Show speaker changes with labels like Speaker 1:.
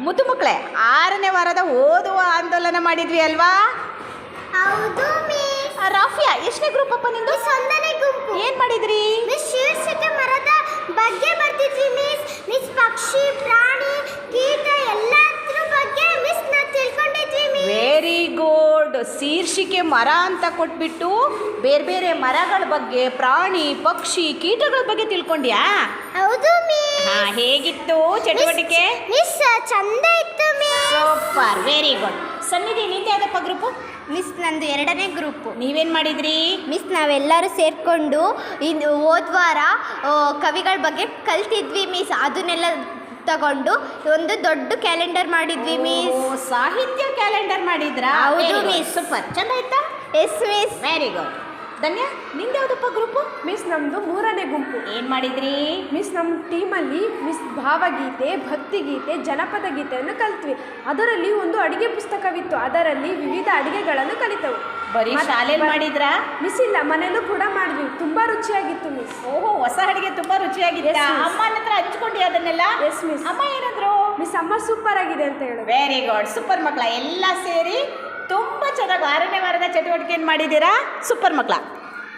Speaker 1: ಮುದ್ದು ಮಕ್ಕಳೇ 6ನೇ ವಾರದ ಓದುವ ಆಂದೋಲನ ಮಾಡಿದ್ವಿ ಅಲ್ವಾ?
Speaker 2: ಹೌದು ಮಿಸ್.
Speaker 1: ರಾಫಿಯಾ ಎಷ್ಟನೇ ಗ್ರೂಪ್ ಅಪ್ಪ ನಿಂದು?
Speaker 2: ಮಿಸ್ 1ನೇ ಗುಂಪು.
Speaker 1: ಏನ್ ಮಾಡಿದ್ರಿ?
Speaker 2: ಮಿಸ್ ಶೀರ್ಷಿಕೆ ಮರದ ಬಗ್ಗೆ ಬರ್ತಿದ್ವಿ ಮಿಸ್. ಮಿಸ್ ಪಕ್ಷಿ ಪ್ರಾಣಿ ಕೀಟ ಎಲ್ಲದ್ರ ಬಗ್ಗೆ ಮಿಸ್ ನಾವು ತಿಳ್ಕೊಂಡಿದ್ವಿ ಮಿಸ್.
Speaker 1: Very good. ಶೀರ್ಷಿಕೆ ಮರ ಅಂತ ಕೊಟ್ಬಿಟ್ಟು ಬೇರೆ ಬೇರೆ ಮರಗಳ ಬಗ್ಗೆ, ಪ್ರಾಣಿ ಪಕ್ಷಿ ಕೀಟಗಳ ಬಗ್ಗೆ ತಿಳ್ಕೊಂಡ್ಯಾ?
Speaker 2: ಹೌದು ಮಿಸ್.
Speaker 1: ಹೇಗಿತ್ತು ಚಟುವಟಿಕೆ?
Speaker 2: ಮಿಸ್ ಚಂದ ಇತ್ತು ಮಿಸ್.
Speaker 1: Super, very good. ಸನ್ನಿಧಿ ನಿಂದ ಯಾವ್ದಪ್ಪ ಗ್ರೂಪು?
Speaker 2: ಮಿಸ್ ನಂದು 2ನೇ ಗ್ರೂಪು.
Speaker 1: ನೀವೇನ್ ಮಾಡಿದ್ರಿ?
Speaker 2: ಮಿಸ್ ನಾವೆಲ್ಲರೂ ಸೇರಿಕೊಂಡು ಇದು ಹೋದ್ವಾರ ಕವಿಗಳ ಬಗ್ಗೆ ಕಲ್ತಿದ್ವಿ ಮಿಸ್. ಅದನ್ನೆಲ್ಲ ತಗೊಂಡು ಒಂದು ದೊಡ್ಡ ಕ್ಯಾಲೆಂಡರ್ ಮಾಡಿದ್ವಿ ಮಿಸ್.
Speaker 1: ಸಾಹಿತ್ಯ ಕ್ಯಾಲೆಂಡರ್ ಮಾಡಿದ್ರಾ?
Speaker 2: ಹೌದು ಮಿಸ್.
Speaker 1: ಸೂಪರ್, ಚಂದ ಆಯ್ತಾ?
Speaker 2: Yes miss.
Speaker 1: Very good. Dhanya ನಿಂದ ಯಾವ್ದಪ್ಪ ಗ್ರೂಪು?
Speaker 3: ಮಿಸ್ ನಮ್ಮದು 3ನೇ ಗುಂಪು.
Speaker 1: ಏನ್ ಮಾಡಿದ್ರಿ?
Speaker 3: ಮಿಸ್ ನಮ್ಮ ಟೀಮಲ್ಲಿ ಮಿಸ್ ಭಾವಗೀತೆ, ಭಕ್ತಿಗೀತೆ, ಜನಪದ ಗೀತೆಯನ್ನು ಕಲಿತ್ವಿ. ಅದರಲ್ಲಿ ಒಂದು ಅಡಿಗೆ ಪುಸ್ತಕವಿತ್ತು. ಅದರಲ್ಲಿ ವಿವಿಧ ಅಡಿಗೆಗಳನ್ನು ಕಲಿತವು.
Speaker 1: ಬರೀ ಶಾಲೆಯಲ್ಲಿ ಮಾಡಿದ್ರಾ?
Speaker 3: ಮಿಸ್ ಇಲ್ಲ, ಮನೆಯಲ್ಲೂ ಕೂಡ ಮಾಡಿದ್ವಿ. ತುಂಬಾ ರುಚಿಯಾಗಿತ್ತು ಮಿಸ್.
Speaker 1: ಓಹೋ, ಹೊಸ ಅಡಿಗೆ ತುಂಬಾ ರುಚಿಯಾಗಿತ್ತ?
Speaker 3: Yes, miss.
Speaker 1: ಅಮ್ಮನ ಹತ್ರ ಹಂಚ್ಕೊಂಡಿ ಅದನ್ನೆಲ್ಲ?
Speaker 3: Yes miss.
Speaker 1: ಅಮ್ಮ ಏನಂದ್ರು?
Speaker 3: ಮಿಸ್ ಅಮ್ಮ ಸೂಪರ್ ಆಗಿದೆ ಅಂತ ಹೇಳಿದ್ರು.
Speaker 1: Very good. ಸೂಪರ್ ಮಕ್ಕಳ ಎಲ್ಲ ಸೇರಿ ತುಂಬಾ ಚೆನ್ನಾಗಿ 6ನೇ ವಾರದ ಚಟುವಟಿಕೆಯನ್ನು ಮಾಡಿದ್ದೀರಾ. ಸೂಪರ್ ಮಕ್ಕಳ.